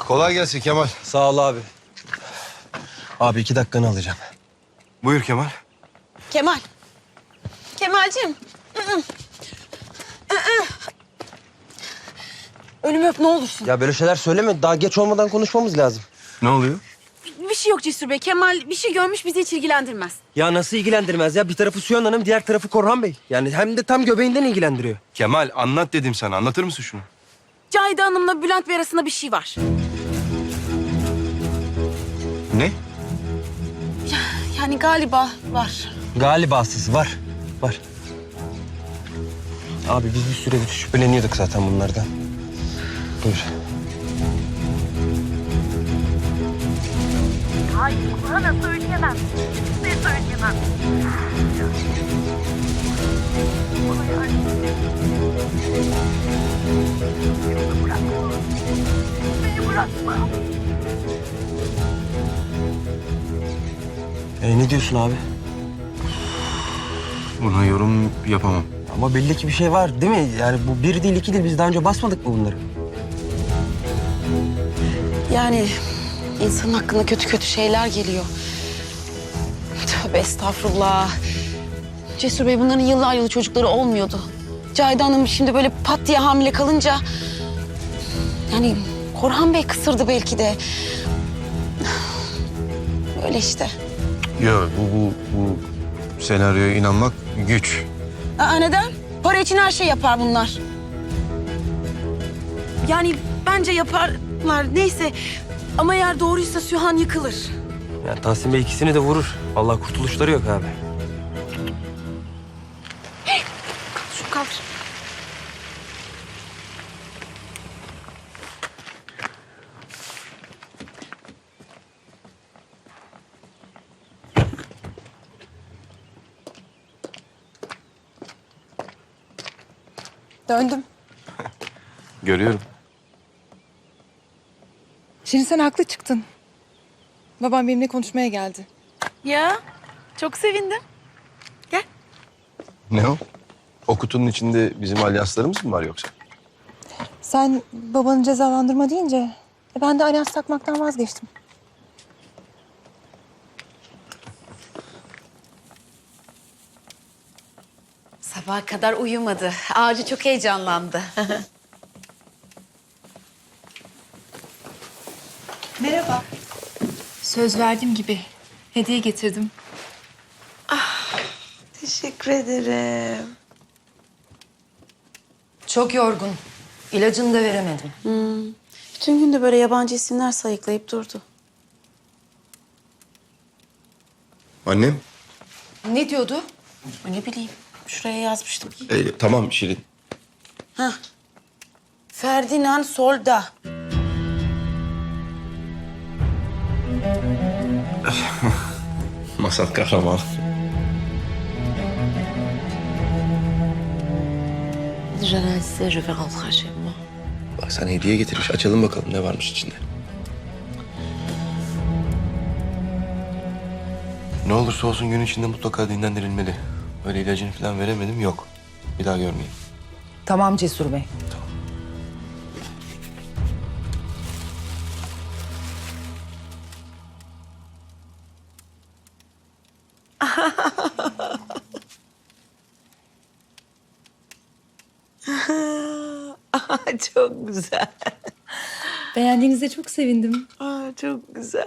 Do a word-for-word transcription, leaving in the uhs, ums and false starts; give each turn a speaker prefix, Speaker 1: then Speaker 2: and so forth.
Speaker 1: Kolay gelsin Kemal.
Speaker 2: Sağ ol abi. Abi iki dakikanı alacağım.
Speaker 1: Buyur Kemal.
Speaker 3: Kemal. Kemal'cim. Ölümü öp ne olursun.
Speaker 2: Ya böyle şeyler söyleme. Daha geç olmadan konuşmamız lazım.
Speaker 1: Ne oluyor?
Speaker 3: Bir şey yok Cesur Bey. Kemal bir şey görmüş bizi hiç ilgilendirmez.
Speaker 2: Ya nasıl ilgilendirmez ya? Bir tarafı Sühan Hanım, diğer tarafı Korhan Bey. Yani hem de tam göbeğinden ilgilendiriyor.
Speaker 1: Kemal anlat dedim sana. Anlatır mısın şunu?
Speaker 3: Cahide Hanım'la Bülent Bey arasında bir şey var.
Speaker 1: Ne?
Speaker 3: Yani galiba var.
Speaker 2: Galibasız var. Var. Abi biz bir süredir şüpheleniyorduk zaten bunlardan. Buyur.
Speaker 4: Hayır, Kur'an'a söyleyemem. Kimseye söyleyemem. Hayır, beni bırakma. Beni bırakma.
Speaker 2: E, ne diyorsun abi?
Speaker 1: Buna yorum yapamam.
Speaker 2: Ama belli ki bir şey var değil mi? Yani bu bir değil iki değil. Biz daha önce basmadık mı bunları?
Speaker 3: Yani insanın hakkında kötü kötü şeyler geliyor. Tövbe estağfurullah. Cesur Bey bunların yıllar yılı çocukları olmuyordu. Cahide Hanım şimdi böyle pat diye hamile kalınca... Yani Korhan Bey kısırdı belki de. Öyle işte.
Speaker 1: Yok bu, bu, bu senaryoya inanmak güç.
Speaker 3: Aa, neden? Para için her şey yapar bunlar. Yani bence yaparlar. Neyse. Ama eğer doğruysa Sühan yıkılır.
Speaker 2: Yani Tahsin Bey ikisini de vurur. Vallahi kurtuluşları yok abi.
Speaker 3: Şu kaldır. Döndüm.
Speaker 1: Görüyorum.
Speaker 5: Şirin sen haklı çıktın. Babam benimle konuşmaya geldi.
Speaker 3: Ya çok sevindim. Gel.
Speaker 1: Ne o? O kutunun içinde bizim alyanslarımız mı var yoksa?
Speaker 5: Sen babanı cezalandırma deyince e, ben de alyans takmaktan vazgeçtim.
Speaker 3: Sabaha kadar uyumadı. Ağacı çok heyecanlandı.
Speaker 5: Merhaba. Söz verdiğim gibi hediye getirdim.
Speaker 3: Teşekkür ederim.
Speaker 6: Çok yorgun. İlacını da veremedim.
Speaker 3: Hmm. Bütün gün de böyle yabancı isimler sayıklayıp durdu.
Speaker 1: Annem?
Speaker 6: Ne diyordu?
Speaker 3: Ne bileyim. Şuraya yazmıştım.
Speaker 1: E, tamam Şirin.
Speaker 3: Hah. Ferdinand Solda.
Speaker 1: Masal kahramanı.
Speaker 6: Je sais, je vais rentrer chez moi.
Speaker 1: Bak sana hediye getirmiş. Açalım bakalım ne varmış içinde. Ne olursa olsun gün içinde mutlaka dinlendirilmeli. Öyle ilacını falan veremedim yok. Bir daha görmeyeyim.
Speaker 6: Tamam Cesur Bey.
Speaker 3: Çok güzel.
Speaker 5: Beğendiğinize çok sevindim.
Speaker 3: Aa, çok güzel.